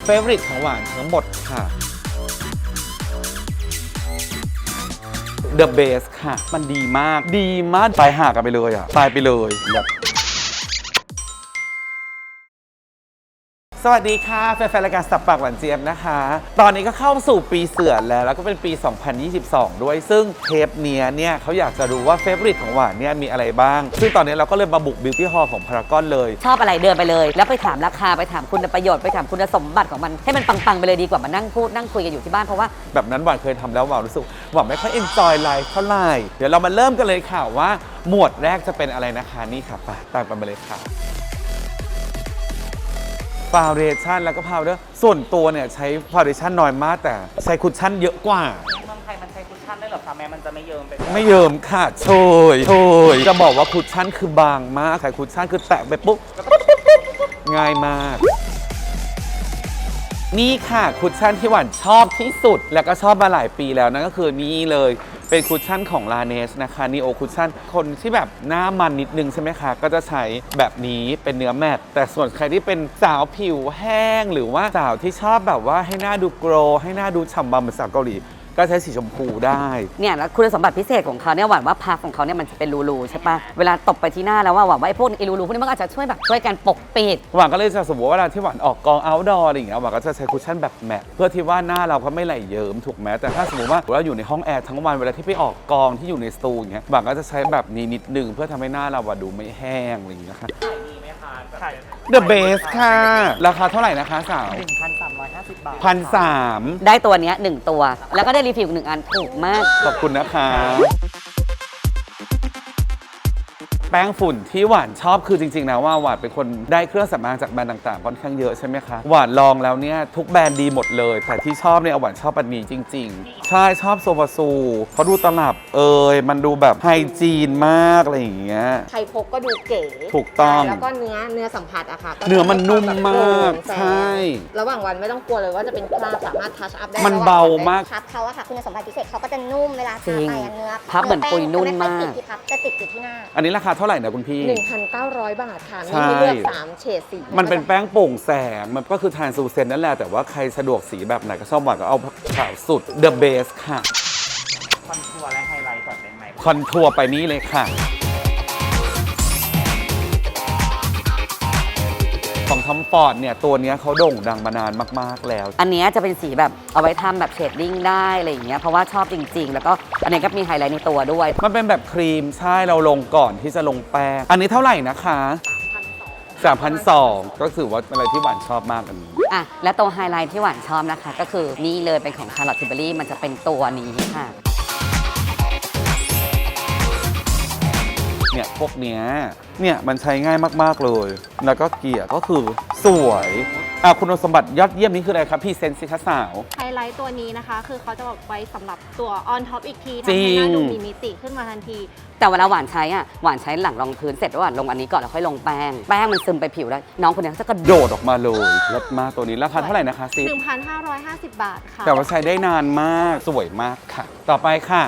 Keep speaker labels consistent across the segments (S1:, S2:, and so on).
S1: favorite ของหวานทั้งหมดค่ะ The Base ค่ะมันดีมากตายห่ากันไปเลยอ่ะตายไปเลยแบบสวัสดีค่ะแฟนๆรายการสับปากหวานเจี๊ยบนะคะตอนนี้ก็เข้าสู่ปีเสือแล้วก็เป็นปี 2022 ด้วยซึ่งเทปเนี่ยเขาอยากจะรู้ว่าเฟเวอริตของหวานเนี่ยมีอะไรบ้างซึ่งตอนนี้เราก็เลยมาบุกบิวตี้ฮอลล์ของพารากอนเลย
S2: ชอบอะไรเดินไปเลยแล้วไปถามราคาไปถามคุณประโยชน์ไปถามคุณสมบัติของมันให้มันปังๆไปเลยดีกว่ามานั่งพูดนั่งคุยกันอยู่ที่บ้านเพราะว่า
S1: แบบนั้นหวานเคยทำแล้วหวานรู้สึกหวานไม่ค่อยเอนจอยไลฟ์เท่าไหร่เดี๋ยวเรามาเริ่มกันเลยค่ะว่าหมวดแรกจะเป็นอะไรนะคะนี่ค่ะไปตามกันไปเลยค่ะฟาวเดชั่นแล้วก็พาวเดอร์ส่วนตัวเนี่ยใช้ฟาวเดชั่นน้อยมากแต่ใช้คุชชั่นเยอะกว่า
S3: เมืองไทยมันใช้คุชชั่นได้หรอคะแม้มันจะไม่เยิ้มไป
S1: ไม่เยิมค่ะโชยจะบอกว่าคุชชั่นคือบางมากใช้คุชชั่นคือแตะไปปุ๊บง่ายมากนี่ค่ะคุชชั่นที่หวานชอบที่สุดแล้วก็ชอบมาหลายปีแล้วนั่นก็คือนี่เลยเป็นคุชชั่นของ Laneige นะคะนีโอคุชชั่นคนที่แบบหน้ามันนิดนึงใช่ไหมคะก็จะใช้แบบนี้เป็นเนื้อแมตต์แต่ส่วนใครที่เป็นสาวผิวแห้งหรือว่าสาวที่ชอบแบบว่าให้หน้าดูโกลว์ให้หน้าดูฉ่ำบำเหมือนสาวเกาหลีก็ใช้สีชมพูได้
S2: เนี่ยแล้วคุณสมบัติพิเศษของเขาเนี่ยหวานว่าพักของเขาเนี่ยมันจะเป็นรูๆใช่ปะเวลาตบไปที่หน้าแล้วว่าหวานว่าไอ้พวกไอ้รูๆพวกนี้มันก็อาจจะช่วยกันปกปิด
S1: หวานก็เลยจะสมมติว่าเวลาที่หวานออกกองเอาท์ดอร์อะไรอย่างเงี้ยหวานก็จะใช้คุชชั่นแบบแมตต์เพื่อที่ว่าหน้าเราก็ไม่ไหลเยิ้มถูกไหมแต่ถ้าสมมติว่าเราอยู่ในห้องแอร์ทั้งวันเวลาที่ไปออกกองที่อยู่ในสตูอย่างเงี้ยหวานก็จะใช้แบบนี้นิดนึงเพื่อทำให้หน้าเราดูไม่แห้งอะไรอย่างเงี้ยค่ะThe Base ค่ะราคาเท่าไหร่นะคะสาว
S3: 1,350 บาท
S1: 1,300
S2: ได้ตัวเนี้ย1ตัวแล้วก็ได้รีฟิล1 อันถูกมาก
S1: ขอบคุณนะคะแป้งฝุ่นที่หวานชอบคือจริงๆนะว่าหวานเป็นคนได้เครื่องสำอางจากแบรนด์ต่างๆค่อนข้างเยอะใช่ไหมคะหวานลองแล้วเนี่ยทุกแบรนด์ดีหมดเลยแต่ที่ชอบเนี่ยหวานชอบอันนี้จริงๆใช่ชอบโซบาซูเขาดูตลับมันดูแบบไฮจีนมากอะไรอย่างเงี้ย
S4: ใครพกก็ดูเก๋
S1: ถูกต้อง
S4: แล้วก็เนื้อสัมผัสอะค่ะ
S1: เนื้อมันนุ่มมากใช่
S4: ระหว่างวันไม่ต้องกลัวเลยว่าจะเป็นคราบสามารถทัชอัพได้
S1: มันเบามาก
S4: พับเขาอะค่ะคุณสมบัติพิเศษเขาก็จะนุ่มเวลาทาไปเนื้อ
S2: พับเหมือนปุยนุ่นมาก
S4: จะติดอยู่ที่หน้า
S1: อันนี้ราคาเท่าไหร่นะคุณพี่
S4: 1,900 บาทค่ะมีให้เลือก3เฉดสี
S1: มันเป็นแป้งโปร่งแสงมันก็คือทานซูเซนนั่นแหละแต่ว่าใครสะดวกสีแบบไหนก็ชอบหวานก็เอาขาวสุด The Base ค่ะ
S3: คอนทัวร์และไฮไลท์ก่อนได้ไหม
S1: คอนทัวร์ไปนี้เลยค่ะของทอมฟอร์ดเนี่ยตัวนี้เขาโด่งดังมานานมากๆแล้ว
S2: อันนี้จะเป็นสีแบบเอาไว้ทำแบบเชดดิ้งได้อะไรอย่างเงี้ยเพราะว่าชอบจริงๆแล้วก็อันนี้ก็มีไฮไลท์ในตัวด้วย
S1: มันเป็นแบบครีมใช่เราลงก่อนที่จะลงแป้งอันนี้เท่าไหร่นะคะ3,200ก็ถือว่าเป็นอะไรที่หวานชอบมากอันนี้
S2: อ่ะและตัวไฮไลท์ที่หวานชอบนะคะก็คือนี่เลยเป็นของ Charlotte Tilbury มันจะเป็นตัวนี้ค่ะ
S1: เนี่ยพวกเนี้ยเนี่ยมันใช้ง่ายมากๆเลยแล้วก็เกลี่ยก็คือสวยคุณสมบัติยอดเยี่ยมนี้คืออะไรครับพี่เซนสิคะสาว
S5: ไฮไลท์ตัวนี้นะคะคือเขาจะบอกไว้สำหรับตัวออนท็อปอีกทีทำให้หน้าดูมีมิติขึ้นมาทันที
S2: แต่เวลาหวานใช้หวานใช้หลังรองพื้นเสร็จแล้วหวานลงอันนี้ก่อนแล้วค่อยลงแป้งมันซึมไปผิวแล้วน้องคนนี้จะกระ
S1: โดดออกมาเลยเลิศมากตัวนี้ราคาเท่าไหร่นะคะซิ
S5: 1,550 บาทค่ะ
S1: แต่ว่าใช้ได้นานมากสวยมากค่ะต่อไปค่ะ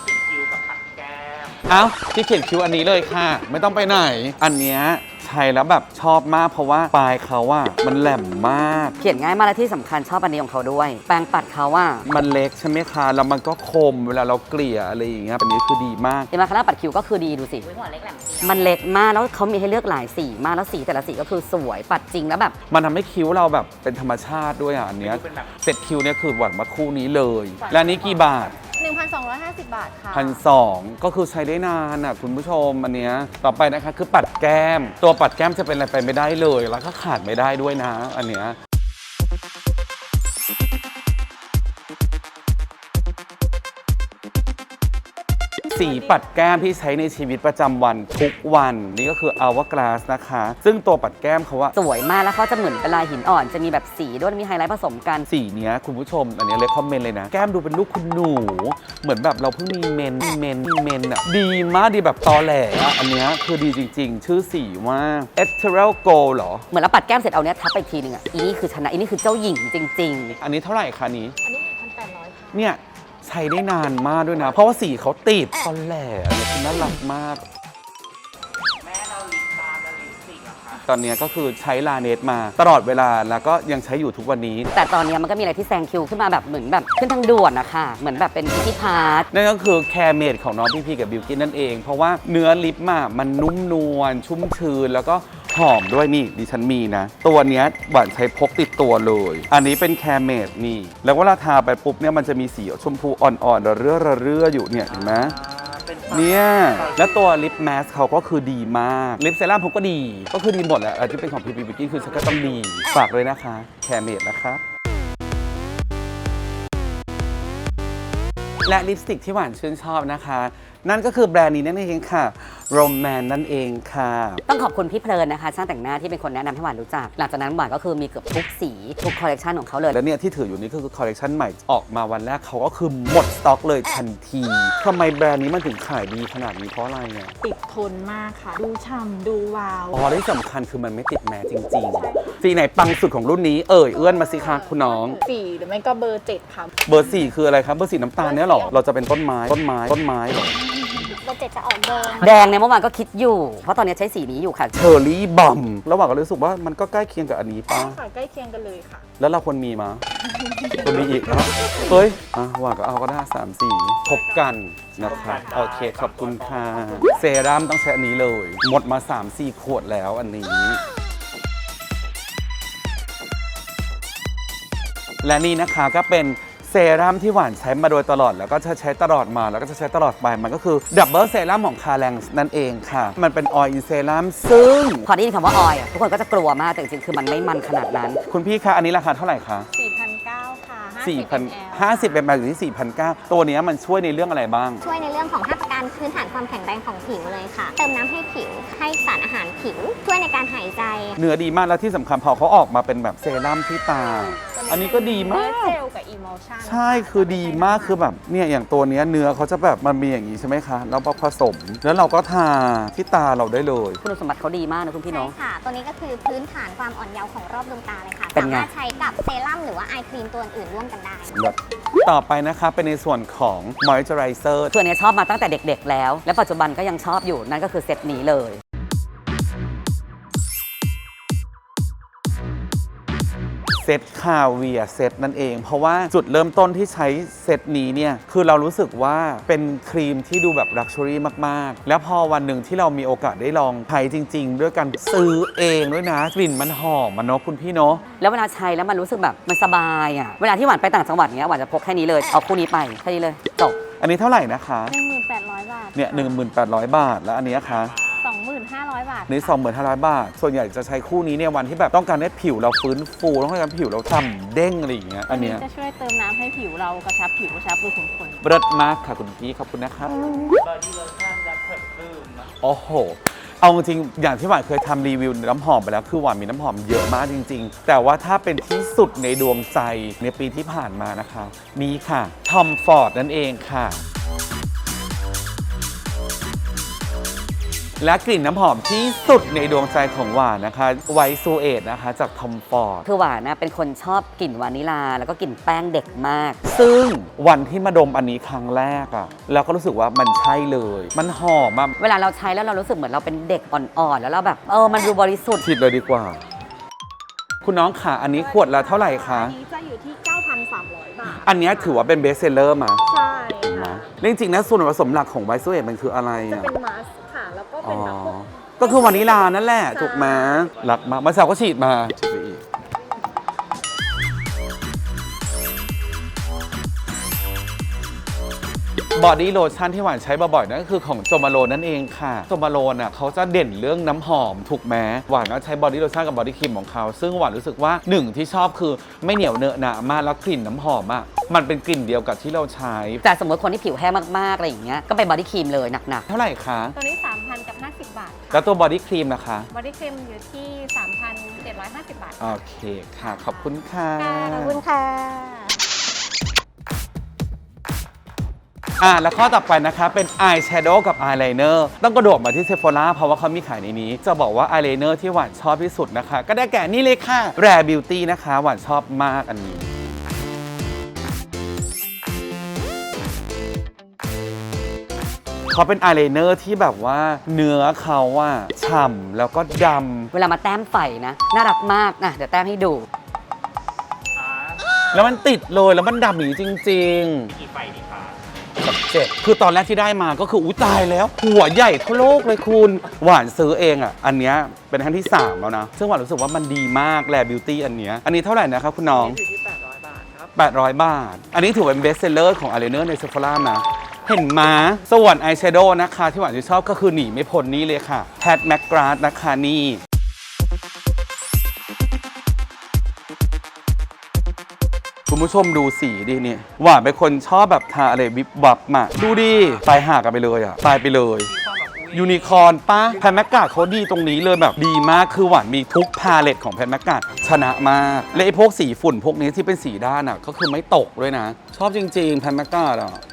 S1: ที่เขียนคิ้วอันนี้เลยค่ะไม่ต้องไปไหนอันเนี้ยใช้แล้วแบบชอบมากเพราะว่าปลายเขามันแหลมมาก
S2: เขียนง่ายมากและที่สำคัญชอบอันนี้ของเขาด้วยแปรงปัดเขา
S1: มันเล็กใช่ไหมคะแล้วมันก็คมเวลาเราเกลี่ยอะไรอย่างเงี้ยอันนี้คือดีมาก
S2: เห็นไหมคะแล้วปัดคิ้วก็คือดีดูสิมันเล็กมากแล้วเขามีให้เลือกหลายสีมากแล้วสีแต่ละสีก็คือสวยปัดจริงแล้วแบบ
S1: มันทำให้คิ้วเราแบบเป็นธรรมชาติด้วยอันเนี้ยเสร็จคิ้วเนี่ยคือหวานมาคู่นี้เลยและนี้กี่บาท
S5: 1,250 บาทค่ะ
S1: 1,200ก็คือใช้ได้นานคุณผู้ชมอันเนี้ยต่อไปนะคะคือปัดแก้มตัวปัดแก้มจะเป็นอะไรไปไม่ได้เลยแล้วก็ขาดไม่ได้ด้วยนะอันเนี้ยสีปัดแก้มที่ใช้ในชีวิตประจำวันทุกวันนี่ก็คือ Hourglass นะคะซึ่งตัวปัดแก้มเขา
S2: สวยมากแล้วเขาจะเหมือนเป็นลายหินอ่อนจะมีแบบสีด้วยมีไฮไลท์ผสมกัน
S1: สีเนี้ยคุณผู้ชมอันนี้เลยคอมเมนต์เลยนะแก้มดูเป็นลูกคุณหนูเหมือนแบบเราเพิ่งมีเมนดีมากดีแบบตอแหลอันเนี้ยคือดีจริงๆชื่อสีว่า Ethereal Gold เหรอ
S2: เหมือนเราปัดแก้มเสร็จเอาเนี้ยทับไปทีนึงอีนี่คือชนะอีนี่คือเจ้าหญิงจริง
S1: ๆอันนี้เท่าไหร่คะนี้
S5: อันนี้1,800ค่ะ
S1: เนี่ยใช้ได้นานมากด้วยนะเพราะว่าสีเขาติดตอนแหลอันนี้คือน่ารักมาก
S3: แม่เราลิปบาล์มและลิปสติกอะค่ะ
S1: ตอนนี้ก็คือใช้ลาเนสมาตลอดเวลาแล้วก็ยังใช้อยู่ทุกวันนี้
S2: แต่ตอนนี้มันก็มีอะไรที่แซงคิวขึ้นมาแบบเหมือนแบบขึ้นทางด่วนนะคะเหมือนแบบเป็นที่พาร์ท
S1: นั่นก็คือแคร์เมดของน้องพี่พีกับบิวกินนั่นเอง เพราะว่าเนื้อลิปมันนุ่มนวลชุ่มชื้นแล้วก็หอมด้วยนี่ดิฉันมีนะ ตัวเนี้ยหวานใช้พกติดตัวเลย อันนี้เป็นแคร์เมดนี่แล้วเวลาทาไปปุ๊บเนี่ยมันจะมีสีชมพูอ่อนๆระเรื่ออยู่เนี่ยเห็นไหม
S3: เป็น
S1: เนี่ยแล้วตัวลิปแมสเขาก็คือดีมากลิปเซรั่มเขาก็ดีก็คือดีหมดแหละที่เป็นของพีพีบิวกินคือฉันก็ต้องดีฝากเลยนะคะแคร์เมดนะคะและลิปสติกที่หวานชื่นชอบนะคะนั่นก็คือแบรนด์นี้นั่นเองค่ะโรแมนนั่นเองค่ะ
S2: ต้องขอบคุณพี่เพลินนะคะช่างแต่งหน้าที่เป็นคนแนะนำให้หวานรู้จักหลังจากนั้นหวานก็คือมีเกือบทุกสีทุกคอลเลกชันของเขาเลย
S1: แล้วเนี่ยที่ถืออยู่นี่คือคอลเลกชันใหม่ออกมาวันแรกเขาก็คือหมดสต็อกเลยทันทีทำไมแบรนด์นี้มันถึงขายดีขนาดนี้เพราะอะไรเนี่ย
S6: ติดทนมากค่ะ ดูฉ่ำดูวาว
S1: อ๋อที่สำคัญคือมันไม่ติดแมสจริงๆสีไหนปังสุดของรุ่นนี้เอื้อนมาสิคะคุณน้อง
S6: 4 หรือไม่ก็เบอร์ 7 ค่ะ
S1: เบอร์ 4 คืออะไรครับเบอร์ 4น้ำตาลเนี่ยหรอเราจะเป็นต้นไม้เหรอ
S4: เบอร์ 7 จะออกแดง
S2: แดงเนี่ยเมื่อวานก็คิดอยู่ เพราะตอนนี้ใช้สีนี้อยู่ค่ะ
S1: เชอร์รี่บอมระหว่างก็รู้สึกว่ามันก็ใกล้เคียงกับอันนี้ป่ะ
S6: ค่ะ ใกล้เคียงกันเลยค่ะ
S1: แล้วเราควรมีมาควรมีอีกเนาะเฮ้ยหว่างก็เอาก็ได้3 สีพบกันนะครับโอเคขอบคุณค่ะเซรั่มต้องใช้อันนี้เลย หมดมา 3-4 ขวดแล้วอันนี้ และนี่นะคะก็เป็นเซรั่มที่หวานใช้มาโดยตลอดแล้วก็จะใช้ตลอดมาแล้วก็จะใช้ตลอดไปมันก็คือดับเบิลเซรั่มของคาแรงนั่นเองค่ะมันเป็นออยล์เซรั่มซึ่ง
S2: พอได้ยินคำว่าออยล์ทุกคนก็จะกลัวมากแต่จริงๆคือมันไม่มันขนาดนั้น
S1: คุณพี่คะอันนี้ราคาเท่าไหร่คะ
S6: 4,900 ค่ะ
S1: 50เป็นมาอยู่ที่ 4,900 ตัวเนี้ยมันช่วยในเรื่องอะไรบ้าง
S4: ช่วยในเรื่องของ5ประการพื้นฐานความแข็งแรงของผิวเลยค่ะ เติมน้ำให้ผิว ให้สารอาหารผิว ช่วยในการหายใจ
S1: เนื้อดีมากแล้วที่สำคัญพอเขาออกมาเป็นแบบเซรั่มที่ตา อันนี้ก็ดีมาก
S6: เจลกับ Emulsion
S1: ใช่คือดีมากคือแบบเนี่ยอย่างตัวเนี้ยเนื้อเขาจะแบบมันมีอย่างนี้ใช่ไหมคะแล้วพอผสมแล้วเราก็ทาที่ตาเราได้เลย
S2: คุณสมบัติเขาดีมากนะคุณพี่น้
S4: ใช่
S2: อง
S4: ค่ะ ตัวนี้ก็คือพื้นฐานความอ่อนเยาว์ของรอบดวงตาเลยค่ะ
S2: เป็น
S4: สา
S2: ไง
S4: มารถใช้กับเซรั่มหรือว่าไอครีมตัวอื่นร่วมกันได้
S1: แบบต่อไปนะคะเป็นในส่วนของ moisturizer
S2: คืออันนี้ชอบมาตั้งแต่เด็กๆแล้ว และปัจจุบันก็ยังชอบอยู่นั่นก็คือเซตนี้เลย
S1: เซตคาเวียเซตนั่นเอง เพราะว่าจุดเริ่มต้นที่ใช้เซตนี้เนี่ยคือเรารู้สึกว่าเป็นครีมที่ดูแบบลักชัวรี่มากๆ แล้วพอวันหนึ่งที่เรามีโอกาสได้ลองใช้จริงๆ ด้วยการซื้อเองด้วยนะกลิ่นมันหอมมันเนาะคุณพี่เนาะ
S2: แล้วเวลาใช้แล้วมันรู้สึกแบบมันสบายอ่ะเวลาที่หวานไปต่างจังหวัดเนี้ยหวานจะพกแค่นี้เลยเอาคู่นี้ไปแค่นี้เลยจบ
S1: อันนี้เท่าไหร่นะคะ
S5: 1,800 บาท
S1: เนี่ย 1,800 บาท แล้วอันเนี้ยคะ
S5: 2,500 บาท
S1: นี่ 2,500 บาท ส่วนใหญ่จะใช้คู่นี้เนี่ยวันที่แบบต้องการให้ผิวเราฟื้นฟูต้องการให้ผิวเราฉ่ำเด้งอะไรอย่างเงี้ยอันเนี้ย
S6: จะช่วยเติมน้ำให้ผิวเรากระชับผิวกระชับรูขุมขน
S1: เลิศมากค่ะคุณพี่ขอบคุณนะครับ
S3: บอดี้โลชั่นและเพิร์ฟฟูมนะ
S1: โอ้โห เอาจริงๆอย่างที่หวานเคยทำรีวิวน้ำหอมไปแล้วคือหวานมีน้ำหอมเยอะมากจริงๆ แต่ว่าถ้าเป็นที่สุดในดวงใจในปีที่ผ่านมานะคะนี่ค่ะทอมฟอร์ดนั่นเองค่ะ และกลิ่นน้ำหอมที่สุดในดวงใจของหวานนะคะไวท์ซูเอตนะคะจากทอมฟอร์ด
S2: คือหวานนะเป็นคนชอบกลิ่นวานิลาแล้วก็กลิ่นแป้งเด็กมาก
S1: ซึ่งวันที่มาดมอันนี้ครั้งแรกอะเราก็รู้สึกว่ามันใช่เลย มันหอมอะ
S2: เวลาเราใช้แล้วเรารู้สึกเหมือนเราเป็นเด็กอ่อนๆแล้วเราแบบมันดูบริสุทธิ์
S1: ฉีดเลยดีกว่า คุณน้องค่ะอันนี้ขวดละเท่าไหร่คะ
S6: อันนี้จะอยู่ที่ 9,300 บาท
S1: อันเนี้ยถือว่าเป็นเบสเซลเลอร์มา
S6: ใช่
S1: นะ
S6: ค่ะ
S1: เรื่องจริงๆนะส่วนผสมหลักของไวท์ซูเอตมันคืออะไร
S6: จะ
S1: อะ
S6: เป็นมาสก์ค่ะ แล้วก็เป็นแบบพวก
S1: ก็คือวานิลานั่นแหละถูกไหมหลักมากมาสาวก็ฉีดมาฉีดไปอีก บอดี้โลชั่นที่หวานใช้บ่อยๆนั่นก็คือของโจมาโลนั่นเองค่ะโจมาโลน่ะเขาจะเด่นเรื่องน้ำหอมถูกไหมหวานก็ใช้บอดี้โลชั่นกับบอดี้ครีมของเขาซึ่งหวานรู้สึกว่าหนึ่งที่ชอบคือไม่เหนียวเนอะหนะมากแล้วกลิ่นน้ำหอมอ่ะมันเป็นกลิ่นเดียวกับที่เราใช้
S2: แต่สมมติคนที่ผิวแห้งมากๆอะไรอย่างเงี้ยก็ไปบอดี้ครีมเลยหนัก
S1: เท่าไหร่คะ
S5: ตัวนี้ 3,000 กับ 50 บาท
S1: แล้วตัวบอดี้ครีมนะคะ
S5: บอดี้ครีมอยู่ที่ 3,750 บาท
S1: โอเคค่ะ ขอบคุณค่ะ
S4: ขอบคุณค่ะ
S1: แล้วข้อต่อไปนะคะเป็นอายแชโดว์กับอายไลเนอร์ต้องกระโดดมาที่เซฟโฟล่าเพราะว่าเขามีขายในนี้ จะบอกว่าอายไลเนอร์ที่หวานชอบที่สุดนะคะ ก็ได้แก่นี่เลยค่ะ Rare Beauty นะคะ หวานชอบมากอันนี้ อเขาเป็นอายไลเนอร์ที่แบบว่าเนื้อเขาอะฉ่ำแล้วก็ด
S2: เวลามาแต้มไฟนะน่ารักมากนะเดี๋ยวแต้มให้ดู
S1: ำแล้วมันติดเลยแล้วมันดำอย่างนี้จริง
S3: กี่ไฟดีคะ
S1: ๆ7คือตอนแรกที่ได้มาก็คืออุ้ยตายแล้ว หัวใหญ่เท่าโลกเลยคุณ หวานซื้อเองอะอันเนี้ยเป็นครั้งที่ 3 แล้วนะ ซึ่งหวานรู้สึกว่ามันดีมากแลบิวตี้อันเนี้ยอันนี้เท่าไหร่นะครับคุณน้อง
S3: อยู่ที่ 800 บาทครับ
S1: 800 บาท อันนี้ถือเป็นเบสเซลเลอร์ของอายไลเนอร์ในเซฟ h ร่านะ เห็นมาส่วนอายแชโดว์นะคะ ที่หวานจะชอบก็คือหนีไม่พ้นนี่เลยค่ะแพทแม c กราสนะคะนี่ คุณผู้ชมดูสีดิเนี่ยหวานเป็นคนชอบแบบทาอะไรวิบวับมาดูดิตายห่ากันไปเลยอ่ะ ตายไปเลย ยูนิคอร์นป้าแพนแมกกาดเขาดีตรงนี้เลยแบบดีมากคือหวานมีทุกพาเลตของแพนแมกกาดชนะมาก และไอ้พวกสีฝุ่นพวกนี้ที่เป็นสีด้านอ่ะก็คือไม่ตกด้วยนะ ชอบจริงๆแพนแมกกาดอ่ะ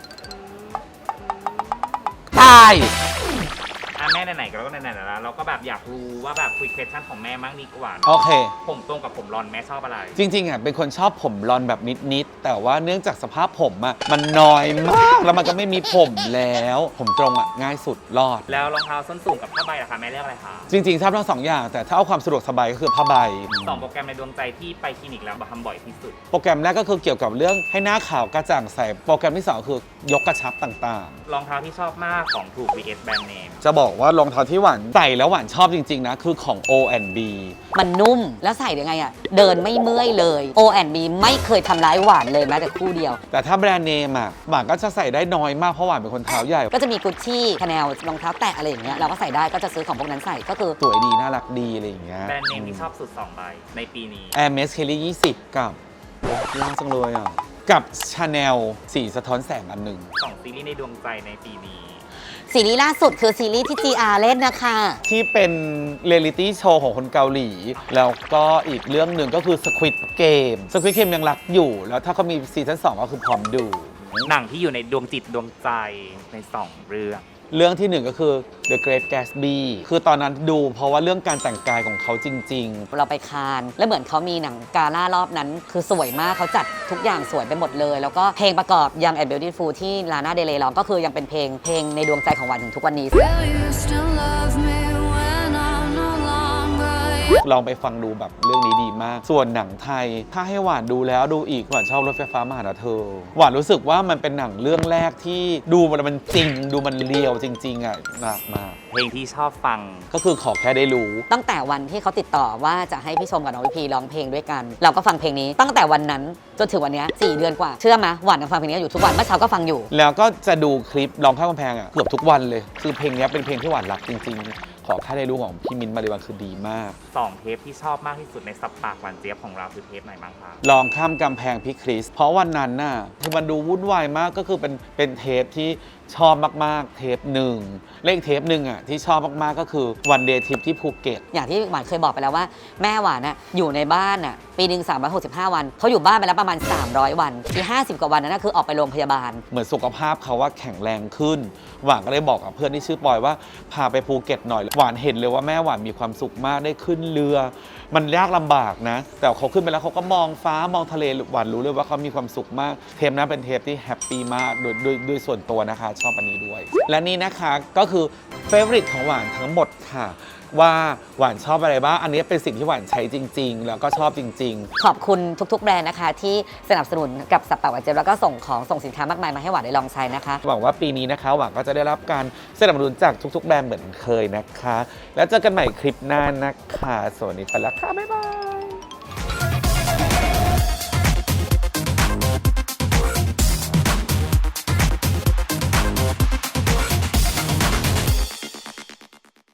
S1: ตาย
S3: แม่ไหนๆก็แล้วไหนๆแล้วเราก็แบบอยากรู้ว่าแบบคุย question ของแม่มั่งดีกว่า
S1: โอเค
S3: ผมตรงกับผมรอนแม่ชอบอะไร
S1: จริงๆอ่ะเป็นคนชอบผมรอนแบบนิดๆแต่ว่าเนื่องจากสภาพผมอ่ะมันน้อยมากแล้วมันก็ไม่มีผมแล้ว ผมตรงอ่ะง่ายสุดรอด
S3: แล้วรองเท้าส้นสูงกับผ้าใบล่ะคะแม่เลือกอะไรคะ
S1: จริงๆชอบทั้งสองอย่าง แต่ถ้าเอาความสะดวกสบายก็คือผ้าใบ
S3: สองโปรแกรมในดวงใจที่ไปคลินิกแล้วทำบ่อยที่สุด
S1: โปรแกรมแรกก็คือเกี่ยวกับเรื่องให้หน้าขาวกระจ่างใสโปรแกรมที่ 2 คือยกกระชับต่าง
S3: รองเท้าที่ชอบมากของถูก vs แบรนด์เนม
S1: ๆ จะบอกว่ารองเท้าที่หวานใส่แล้วหวานชอบจริง ๆ นะ คือของ O&B
S2: มันนุ่มแล้วใส่ยังไงอะเดินไม่เมื่อยเลย O&B ไม่เคยทำร้ายหวานเลยแม้แต่คู่เดียว
S1: แต่ถ้าแบรนด์เนมอ่ะหวานก็จะใส่ได้น้อยมากเพราะหวานเป็นคนเท้าใหญ่
S2: ก็จะมีกุชชี่คาแนลรองเท้าแตะอะไรอย่างเงี้ยเราก็ใส่ได้ก็จะซื้อของพวกนั้นใส่ก็คือ
S1: สวยดีน่ารักดีอะไรอย่างเงี้ย
S3: แบรนด์เนมที่ชอบสุด2ใบในปีนี้
S1: Hermes Kelly 20 กับล่าจังเลยอ่ะกับ Chanel สีสะท้อนแสงอันหนึ่ง
S3: 2 ซีรีส์ในดวงใจในปีนี้
S2: ซีรีส์ล่าสุดคือซีรีส์ที่ GR เล่นนะคะ
S1: ที่เป็นเรียลิตี้โชว์ของคนเกาหลี แล้วก็อีกเรื่องหนึ่งก็คือ Squid Game Squid Game ยังรักอยู่ แล้วถ้าเขามีซีซั่น2 ก็คือพร้อมดู
S3: หนังที่อยู่ในดวงจิตดวงใจใน 2 เรื่อง
S1: เรื่องที่ 1 ก็คือ The Great Gatsby คือตอนนั้นดูเพราะว่าเรื่องการแต่งกายของเขาจริง
S2: เราไปคานแล้วเหมือนเขามีหนังกาล่ารอบนั้น คือสวยมากเขาจัดทุกอย่างสวยไปหมดเลย แล้วก็เพลงประกอบ Young and Beautiful ที่ลาน่าเดเลย์ร้องก็คือยังเป็นเพลงในดวงใจของหวานถึงทุกวันนี้
S7: Will you still love me when I'm no longer
S1: ๆ ลองไปฟังดูแบบเรื่องนี้ดีมาก ส่วนหนังไทย ถ้าให้หวานดูแล้วดูอีกหวานชอบรถไฟฟ้ามาหาเธอ หวานรู้สึกว่ามันเป็นหนังเรื่องแรกที่ดูมันจริง ดูมันเรียวจริงๆอ่ะหนักมาก
S3: เพลงที่ชอบฟัง
S1: ก็คือขอแค่ได้รู้
S2: ตั้งแต่วันที่เขาติดต่อว่าจะให้พี่ชมกับน้องวิพีร้องเพลงด้วยกัน เราก็ฟังเพลงนี้ตั้งแต่วันนั้นจนถึงวันเนี้ย4 เดือนกว่าเชื่อไหมหวานยังฟังเพลงนี้อยู่ทุกวันเมื่อเช้าก็ฟังอยู่
S1: แล้วก็จะดูคลิปร้องข้ามกำแพงอ่ะเกือบทุกวันเลย คือเพลงนี้เป็นเพลงที่หวานรักจริง ๆ ขอแค่ได้รู้ของพี่มิ้นท์มาริวันคือดีมาก
S3: 2 เทปที่ชอบมากที่สุดในสัปปากหวานเจี๊ยบของเราคือเทปไหนบ้างคะ
S1: ลองข้ามกำแพงพี่คริส เพราะวันนั้นน่ะคือมันดูวุ่นวายมากก็คือเป็นเทปที่ชอบมากๆ เทปหนึ่งเลขเทปหนึ่งอ่ะที่ชอบมากๆก็คือวันเดย์ทริปที่ภูเก็ต
S2: อย่างที่หวานเคยบอกไปแล้วว่าแม่หวานน่ะอยู่ในบ้านน่ะปีหนึ่ง365 วันเขาอยู่บ้านไปแล้วประมาณ300 วันที่50 กว่าวันนั้นนะคือออกไปโรงพยาบาล
S1: เหมือนสุขภาพเขาว่าแข็งแรงขึ้น หวานก็เลยบอกกับเพื่อนที่ชื่อปอยว่าพาไปภูเก็ตหน่อย หวานเห็นเลยว่าแม่หวานมีความสุขมากได้ขึ้นเรือ มันยากลำบากนะ แต่เขาขึ้นไปแล้วเขาก็มองฟ้ามองทะเลหวานรู้เลยว่าเขามีความสุขมาก เทปนั้นเป็นเทปที่แฮปปี้มากโดยส่วนตัวนะคะ ชอบอันนี้ด้วย และนี่นะคะก็คือเฟเวอริตของหวานทั้งหมดค่ะ ว่าหวานชอบอะไรบ้าง อันนี้เป็นสิ่งที่หวานใช้จริง ๆ แล้วก็ชอบจริง
S2: ขอบคุณทุกๆแบรนด์นะคะที่สนับสนุนกับสับปะหวานเจี๊ยบแล้วก็ส่งสินค้ามากมายมาให้หวานได้ลองใช้นะคะ
S1: ๆ หวังว่าปีนี้นะคะหวานก็จะได้รับการสนับสนุนจากทุกๆแบรนด์เหมือนเคยนะคะ แล้วเจอกันใหม่คลิปหน้านะคะ สวัสดีไปแล้วค่ะ บ๊ายบาย